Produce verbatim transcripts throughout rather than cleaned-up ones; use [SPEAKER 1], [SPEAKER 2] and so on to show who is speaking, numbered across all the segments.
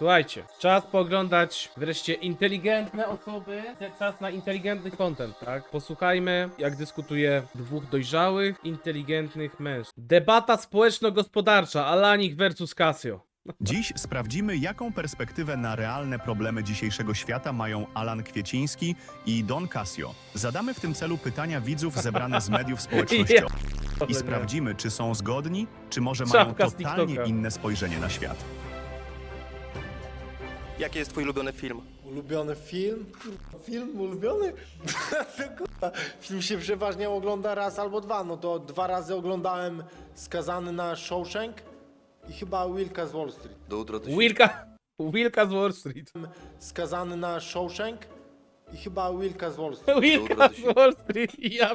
[SPEAKER 1] Słuchajcie, czas pooglądać wreszcie inteligentne osoby, czas na inteligentny content, tak? Posłuchajmy, jak dyskutuje dwóch dojrzałych, inteligentnych mężczyzn. Debata społeczno-gospodarcza, Alanik versus Casio.
[SPEAKER 2] Dziś sprawdzimy, jaką perspektywę na realne problemy dzisiejszego świata mają Alan Kwieciński i Don Casio. Zadamy w tym celu pytania widzów zebrane z mediów społecznościowych i sprawdzimy, czy są zgodni, czy może mają
[SPEAKER 1] Czapka z
[SPEAKER 2] totalnie
[SPEAKER 1] TikToka.
[SPEAKER 2] inne spojrzenie na świat.
[SPEAKER 3] Jaki jest twój ulubiony film?
[SPEAKER 4] Ulubiony film? Kurwa, film ulubiony? Kurwa, film się przeważnie ogląda raz albo dwa. No to dwa razy oglądałem Skazany na Shawshank i chyba Wilka z Wall Street.
[SPEAKER 5] Do jutra to się...
[SPEAKER 1] Wilka, Wilka z Wall Street.
[SPEAKER 4] Skazany na Shawshank i chyba Wilka z Wall Street.
[SPEAKER 1] Wilka z Wall Street i ja...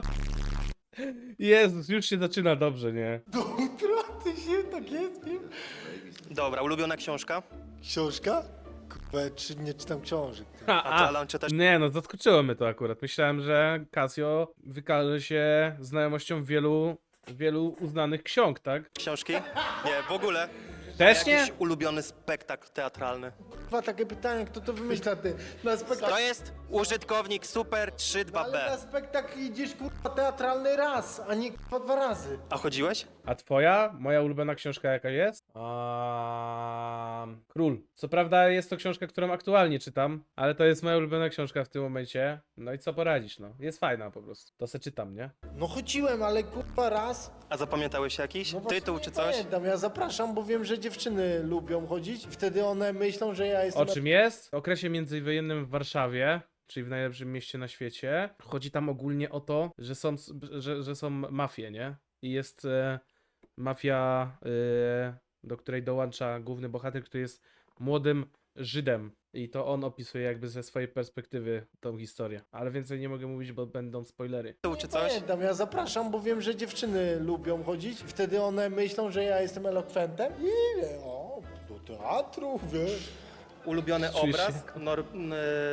[SPEAKER 1] Jezus, już się zaczyna dobrze, nie?
[SPEAKER 4] Do utraty się, tak jest film?
[SPEAKER 3] Dobra, ulubiona książka?
[SPEAKER 4] Książka? Kurwa, czy nie czytam książek.
[SPEAKER 1] A,
[SPEAKER 3] A ty, Alan, czytasz?
[SPEAKER 1] Nie no, zaskoczyło mnie to akurat. Myślałem, że Casio wykaże się znajomością wielu, wielu uznanych ksiąg, tak?
[SPEAKER 3] Książki? Nie, w ogóle.
[SPEAKER 1] Też nie?
[SPEAKER 3] Jakiś ulubiony spektakl teatralny?
[SPEAKER 4] Kurwa, takie pytanie, kto to wymyśla, ty? Na spektakl...
[SPEAKER 3] To jest użytkownik Super trzy dwa
[SPEAKER 4] Ale na
[SPEAKER 3] B.
[SPEAKER 4] spektakl idziesz, kurwa, teatralny raz, a nie kurwa dwa razy.
[SPEAKER 3] A chodziłeś?
[SPEAKER 1] A twoja? Moja ulubiona książka jaka jest? Um, Król. Co prawda jest to książka, którą aktualnie czytam, ale to jest moja ulubiona książka w tym momencie. No i co poradzisz, no. Jest fajna po prostu. To se czytam, nie?
[SPEAKER 4] No chodziłem, ale kurwa raz.
[SPEAKER 3] A zapamiętałeś jakiś
[SPEAKER 4] No właśnie
[SPEAKER 3] tytuł
[SPEAKER 4] nie
[SPEAKER 3] czy coś?
[SPEAKER 4] Pamiętam, ja zapraszam, bo wiem, że dziewczyny lubią chodzić i wtedy one myślą, że ja jestem...
[SPEAKER 1] O czym jest? W okresie międzywojennym w Warszawie, czyli w najlepszym mieście na świecie, chodzi tam ogólnie o to, że są, że, że są mafie, nie? I jest e, mafia, e, do której dołącza główny bohater, który jest młodym Żydem. I to on opisuje jakby ze swojej perspektywy tą historię. Ale więcej nie mogę mówić, bo będą spoilery.
[SPEAKER 3] Tytuł czy
[SPEAKER 4] Nie
[SPEAKER 3] coś?
[SPEAKER 4] Pamiętam, ja zapraszam, bo wiem, że dziewczyny lubią chodzić i wtedy one myślą, że ja jestem elokwentem i wie, o, do teatru, wiesz.
[SPEAKER 3] Ulubiony
[SPEAKER 1] Czujesz się
[SPEAKER 3] obraz? Nor... n-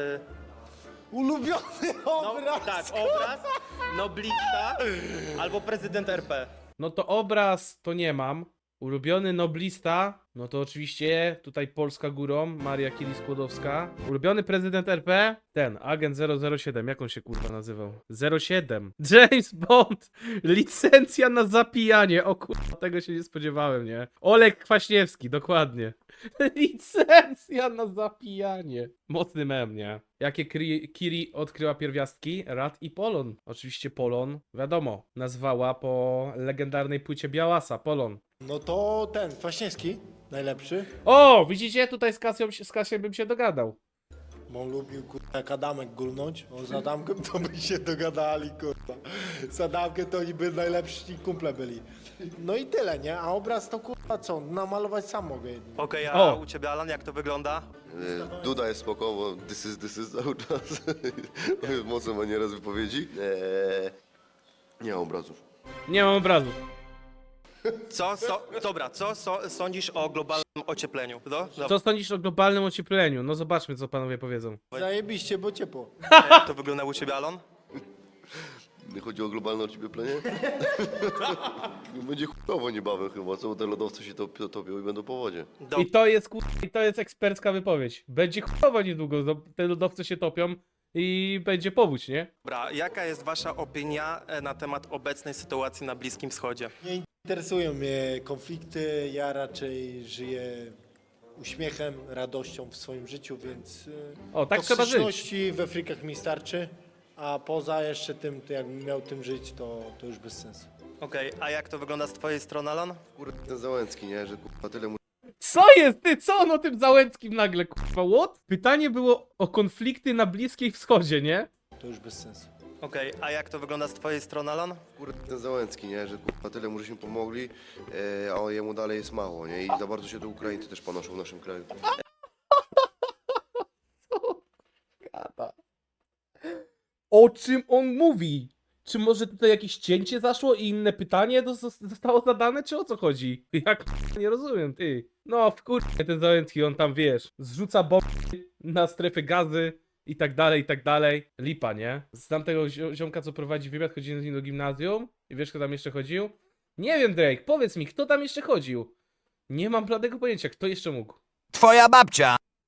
[SPEAKER 4] Ulubiony
[SPEAKER 3] No,
[SPEAKER 4] obraz!
[SPEAKER 3] tak, obraz, noblista albo prezydent R P.
[SPEAKER 1] No to obraz to nie mam. Ulubiony noblista, no to oczywiście tutaj Polska górą, Maria Curie-Skłodowska. Ulubiony prezydent R P? Ten, agent zero zero siedem, jak on się kurwa nazywał? zero siedem. James Bond! Licencja na zapijanie, o kurwa, tego się nie spodziewałem, nie? Oleg Kwaśniewski, dokładnie. Licencja na zapijanie. Mocny mem, nie? Jakie Kiri, Kiri odkryła pierwiastki? Rad i Polon. Oczywiście Polon, wiadomo, nazwała po legendarnej płycie Białasa, Polon.
[SPEAKER 4] No to ten, Kwaśniewski, najlepszy.
[SPEAKER 1] O, widzicie? Tutaj z Kasią, z Kasią bym się dogadał.
[SPEAKER 4] Bo on lubił, kurwa, jak Adamek gulnąć. On z Adamkiem to by się dogadali, kurwa. Z Adamkiem to oni by najlepsi kumple byli. No i tyle, nie? A obraz to, kurwa, co? Namalować sam mogę.
[SPEAKER 3] Okej, a
[SPEAKER 1] O.
[SPEAKER 3] u ciebie, Alan, jak to wygląda?
[SPEAKER 5] E, Duda jest spoko, bo this is, this is cały czas. Mocno maniera z wypowiedzi. E, nie ma obrazów.
[SPEAKER 1] Nie mam obrazu.
[SPEAKER 3] Co, so, dobra, co so, sądzisz o globalnym ociepleniu? No, no,
[SPEAKER 1] Co sądzisz o globalnym ociepleniu? No zobaczmy, co panowie powiedzą.
[SPEAKER 4] Zajebiście, bo ciepło.
[SPEAKER 3] a jak to wygląda u ciebie, Alan?
[SPEAKER 5] Nie chodzi o globalne ocieplenie? Będzie chujowo niebawem chyba, co? Bo te lodowce się top, topią i będą po wodzie.
[SPEAKER 3] Do,
[SPEAKER 1] I to jest kur... I to jest ekspercka wypowiedź. Będzie chujowo niedługo, no, te lodowce się topią i będzie powódź, nie?
[SPEAKER 3] Dobra, jaka jest wasza opinia e, na temat obecnej sytuacji na Bliskim Wschodzie?
[SPEAKER 4] Nie interesują mnie konflikty, ja raczej żyję uśmiechem, radością w swoim życiu, więc y,
[SPEAKER 1] O, tak trzeba żyć.
[SPEAKER 4] toksyczności we frikach mi starczy, a poza jeszcze tym, to jakbym miał tym żyć, to, to już bez sensu.
[SPEAKER 3] Okej, a jak to wygląda z twojej strony, Alan?
[SPEAKER 5] Kurde, ten Załęcki, nie? Że kurwa tyle mu...
[SPEAKER 1] Co jest ty? Co on o tym Załęckim nagle, kurwa, what? Pytanie było o konflikty na Bliskim Wschodzie, nie?
[SPEAKER 4] To już bez sensu.
[SPEAKER 3] Okej, a jak to wygląda z twojej strony, Alan?
[SPEAKER 5] Kurde, ten Załęcki, nie? Że kurwa tyle mu żeśmy pomogli, e, a jemu dalej jest mało, nie? I za bardzo się to Ukraińcy też panoszą w naszym kraju.
[SPEAKER 1] O czym on mówi? Czy może tutaj jakieś cięcie zaszło i inne pytanie do- zostało zadane, czy o co chodzi? Jak nie rozumiem, ty. No, wkurczę ten Załęcki, on tam, wiesz, zrzuca bomby na strefy gazy i tak dalej, i tak dalej. Lipa, nie? Znam tego zio- ziomka, co prowadzi wywiad, chodziłem z nim do gimnazjum i wiesz, kto tam jeszcze chodził? Nie wiem, Drake, powiedz mi, kto tam jeszcze chodził? Nie mam bladego pojęcia, kto jeszcze mógł.
[SPEAKER 6] Twoja babcia!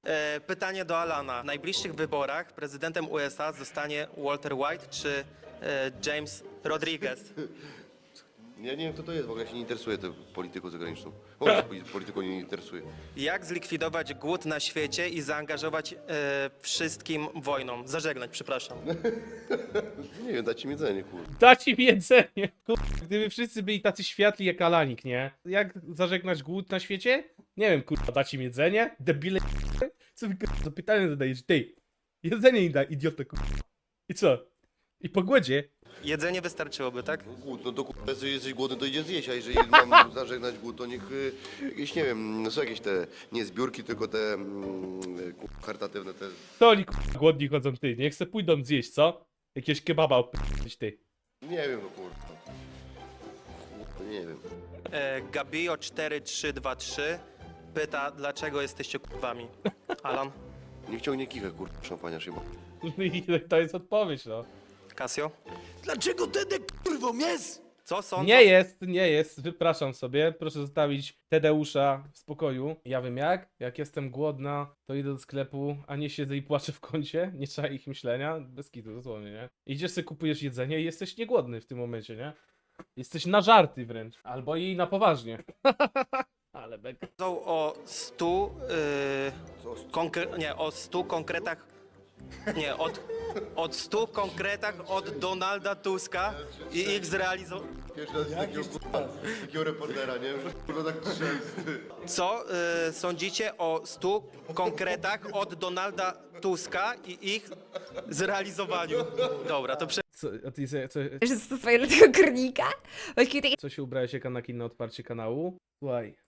[SPEAKER 3] E, pytanie do Alana. W najbliższych wyborach prezydentem U S A zostanie Walter White czy e, James Rodriguez?
[SPEAKER 5] Ja nie wiem, kto to jest, w ogóle się nie interesuje tą polityką zagraniczną. W ogóle się poli- polityką nie interesuje.
[SPEAKER 3] Jak zlikwidować głód na świecie i zaangażować e, wszystkim wojną? Zażegnać, przepraszam.
[SPEAKER 5] Nie wiem, dajcie mi jedzenie, kurde.
[SPEAKER 1] Dać im jedzenie. Kur... Gdyby wszyscy byli tacy światli jak Alanik, nie? Jak zażegnać głód na świecie? Nie wiem, kurwa, dać im jedzenie? Debile. Co wy kurwa, pytanie zadajesz? Ty, jedzenie im daj, idiota, kurwa. I co? I po głodzie?
[SPEAKER 3] Jedzenie wystarczyłoby, tak?
[SPEAKER 5] Głód, no to kurde, jeżeli jesteś głodny, to idzie zjeść, a jeżeli mam zażegnać głód, to niech y, jakieś, nie wiem, no są jakieś te, nie zbiórki, tylko te mm, ku- charytatywne, te...
[SPEAKER 1] To oni kurwa głodni chodzą, ty. Niech se pójdą zjeść, co? Jakiegoś kebaba opytać, ty.
[SPEAKER 5] Nie wiem, no kurde. Kurde, nie wiem.
[SPEAKER 3] E, Gabio cztery trzy dwa trzy pyta, dlaczego jesteście kurwami. Alan?
[SPEAKER 5] Niech ciągnie kichę, kurde, szampania szyba.
[SPEAKER 1] I to jest odpowiedź, no.
[SPEAKER 3] Casio?
[SPEAKER 4] Dlaczego Tedek kurwą jest?
[SPEAKER 3] Co sądzą?
[SPEAKER 1] Nie jest, nie jest, wypraszam sobie. Proszę zostawić Tadeusza w spokoju. Ja wiem jak. Jak jestem głodna, to idę do sklepu, a nie siedzę i płaczę w kącie. Nie trzeba ich myślenia. Bez kitu, dosłownie, nie? Idziesz sobie, kupujesz jedzenie i jesteś niegłodny w tym momencie, nie? Jesteś na żarty wręcz. Albo i na poważnie. Ale bek.
[SPEAKER 3] Sądzą o stu... Yy, konkre- nie, o stu konkretach... Nie, od, od stu konkretach od Donalda Tuska i ich zrealizowania.
[SPEAKER 5] Pierwszy raz takiego, kurwa, takiego reportera, nie? Że kurwa tak trzęsty.
[SPEAKER 3] Co y, sądzicie o stu konkretach od Donalda Tuska i ich zrealizowaniu? Dobra, to prze...
[SPEAKER 1] Co, a ty se- co,
[SPEAKER 6] Że stosuję do tego kornika? Właściwie takie
[SPEAKER 1] co się ubrałeś jak Anakin na otwarcie kanału? Słuchaj.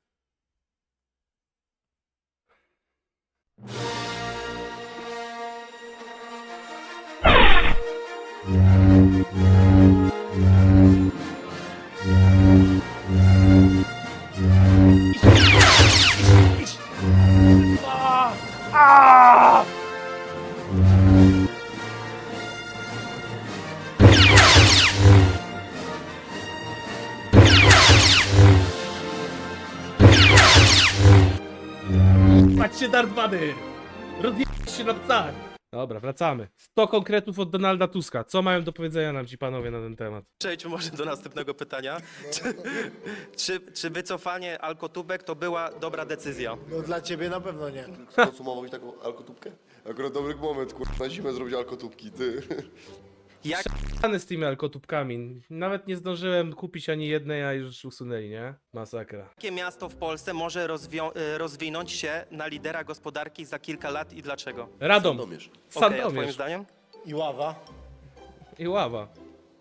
[SPEAKER 1] Patrzcie, Darth Vader! Rozjebać się na psach! Dobra, wracamy. sto konkretów od Donalda Tuska. Co mają do powiedzenia nam ci panowie na ten temat?
[SPEAKER 3] przejdźmy może do następnego pytania. Czy, czy, czy wycofanie alkotubek to była dobra decyzja?
[SPEAKER 4] No dla ciebie na pewno nie.
[SPEAKER 5] Skonsumowałeś taką alkotubkę? Akurat dobry moment, kurwa, na zimę zrobić alkotubki, ty.
[SPEAKER 3] Jak
[SPEAKER 1] Any z tymi alkotubkami. Nawet nie zdążyłem kupić ani jednej, a już usunęli, nie? Masakra.
[SPEAKER 3] Jakie miasto w Polsce może rozwią- y, rozwinąć się na lidera gospodarki za kilka lat i dlaczego?
[SPEAKER 1] Radom.
[SPEAKER 5] Sandomierz.
[SPEAKER 3] Okej, a twoim
[SPEAKER 1] Sandomierz.
[SPEAKER 3] zdaniem?
[SPEAKER 4] I ława.
[SPEAKER 1] I ława.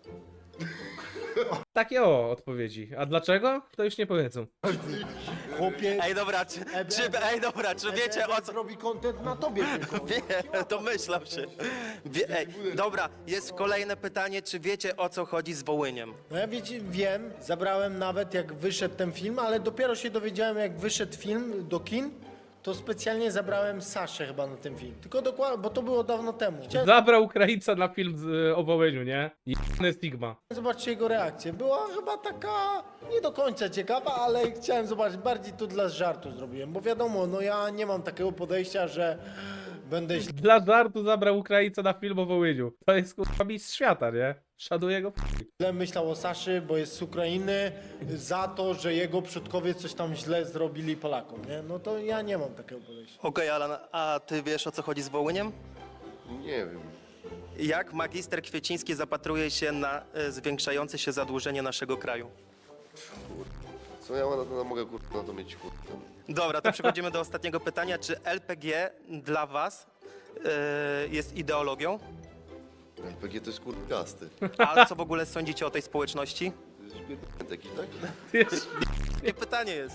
[SPEAKER 1] Takie o odpowiedzi. A dlaczego? To już nie powiedzą.
[SPEAKER 4] Chłopie,
[SPEAKER 3] Ej, dobra, czy, czy, ej, dobra, czy wiecie o co...
[SPEAKER 4] robi content na tobie tylko.
[SPEAKER 3] Wie, domyślam się. Wie, ej, dobra, jest kolejne pytanie, czy wiecie o co chodzi z Wołyniem?
[SPEAKER 4] No ja wiecie, wiem, zabrałem nawet jak wyszedł ten film, ale dopiero się dowiedziałem jak wyszedł film do kin, to specjalnie zabrałem Saszę chyba na ten film. Tylko dokładnie, bo to było dawno temu. Chciałem
[SPEAKER 1] Zabrał Ukraińca na film z, y, o Wołyniu, nie? Jebany Stigma.
[SPEAKER 4] zobaczyć jego reakcję. Była chyba taka nie do końca ciekawa, ale chciałem zobaczyć, bardziej to dla żartu zrobiłem, bo wiadomo, no ja nie mam takiego podejścia, że będę
[SPEAKER 1] Dla żartu zabrał Ukraińca na film o Wołyniu. To jest kurwa mistrz świata, nie? Szanuję go.
[SPEAKER 4] źle myślał o Saszy, bo jest z Ukrainy, za to, że jego przodkowie coś tam źle zrobili Polakom, nie? No to ja nie mam takiego podejścia.
[SPEAKER 3] Okej, Alan, a ty wiesz o co chodzi z Wołyniem?
[SPEAKER 5] Nie wiem.
[SPEAKER 3] Jak magister Kwieciński zapatruje się na e, zwiększające się zadłużenie naszego kraju?
[SPEAKER 5] Co ja na to mogę, kurwa, na to mieć, kurwa.
[SPEAKER 3] Dobra, to przechodzimy do ostatniego pytania. Czy L P G dla was e, jest ideologią?
[SPEAKER 5] L P G to jest, kurwa, gasty.
[SPEAKER 3] A co w ogóle sądzicie o tej społeczności?
[SPEAKER 5] Taki, tak?
[SPEAKER 3] Nie pytanie jest.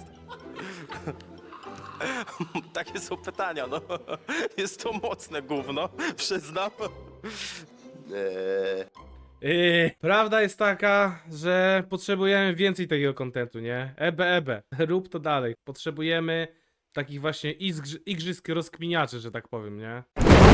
[SPEAKER 3] Takie są pytania, no. Jest to mocne gówno, przyznam.
[SPEAKER 5] Eee,
[SPEAKER 1] Yy, prawda jest taka, że potrzebujemy więcej takiego kontentu, nie? Ebe, ebe. Rób to dalej. Potrzebujemy takich właśnie igrz- igrzysk rozkminiaczy, że tak powiem, nie?